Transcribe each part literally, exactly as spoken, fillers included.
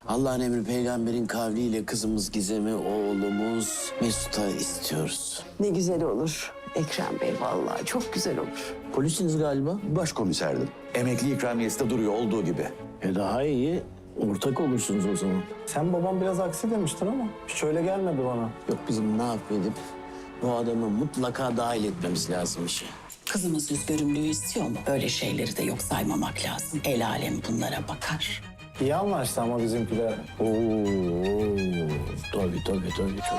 Allah'ın emri peygamberin kavliyle kızımız Gizem'i, oğlumuz Mesut'a istiyoruz. Ne güzel olur Ekrem Bey, vallahi çok güzel olur. Polisiniz galiba. Başkomiserdim. Emekli ikramiyesi de duruyor olduğu gibi. E daha iyi. Ortak olursunuz o zaman. Sen babam biraz aksi demiştin ama hiç öyle gelmedi bana. Yok bizim ne yapıp bu adamı mutlaka dahil etmemiz lazım işe. Kızımız yüz görümlüğü istiyor mu? Böyle şeyleri de yok saymamak lazım. El alem bunlara bakar. İyi anlaştı ama bizimkiler. Oo, tabii tabii tabii çok.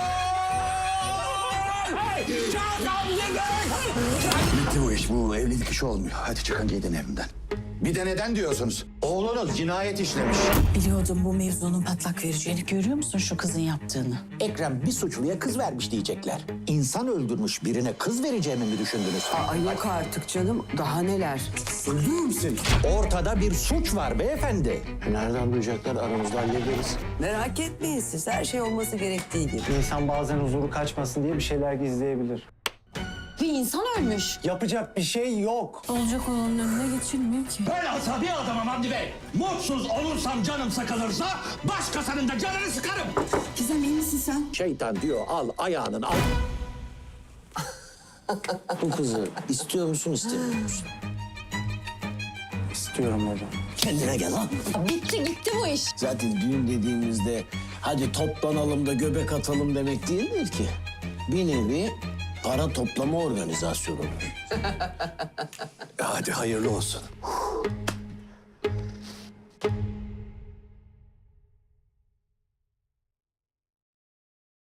Bitti bu iş. Bu evlilik işi olmuyor. Hadi çıkın gidin evimden. Bir de neden diyorsunuz? Oğlunuz cinayet işlemiş. Biliyordum bu mevzunun patlak vereceğini. Görüyor musun şu kızın yaptığını? Ekrem bir suçluya kız vermiş diyecekler. İnsan öldürmüş birine kız vereceğimi mi düşündünüz? Ay yok artık canım, daha neler. Ortada bir suç var beyefendi. Nereden duyacaklar? Aramızda hallederiz. Merak etmeyin siz, her şey olması gerektiği gibi. İnsan bazen huzuru kaçmasın diye bir şeyler gizleyebilir. Bir insan ölmüş. Yapacak bir şey yok. Olacak olanın önüne geçilmiyor ki. Ben asabi adamım Hamdi Bey. Mutsuz olursam canım sıkılırsa başkasının da canını sıkarım. Gizem iyi misin sen? Şeytan diyor al ayağının al. Bu kızı istiyor musun, istemiyor musun? İstiyorum hocam. Kendine gel lan. Bitti gitti bu iş. Zaten düğün dediğimizde hadi toplanalım da göbek atalım demek değildir ki. Bir nevi para toplama organizasyonudur. Hadi hayırlı olsun.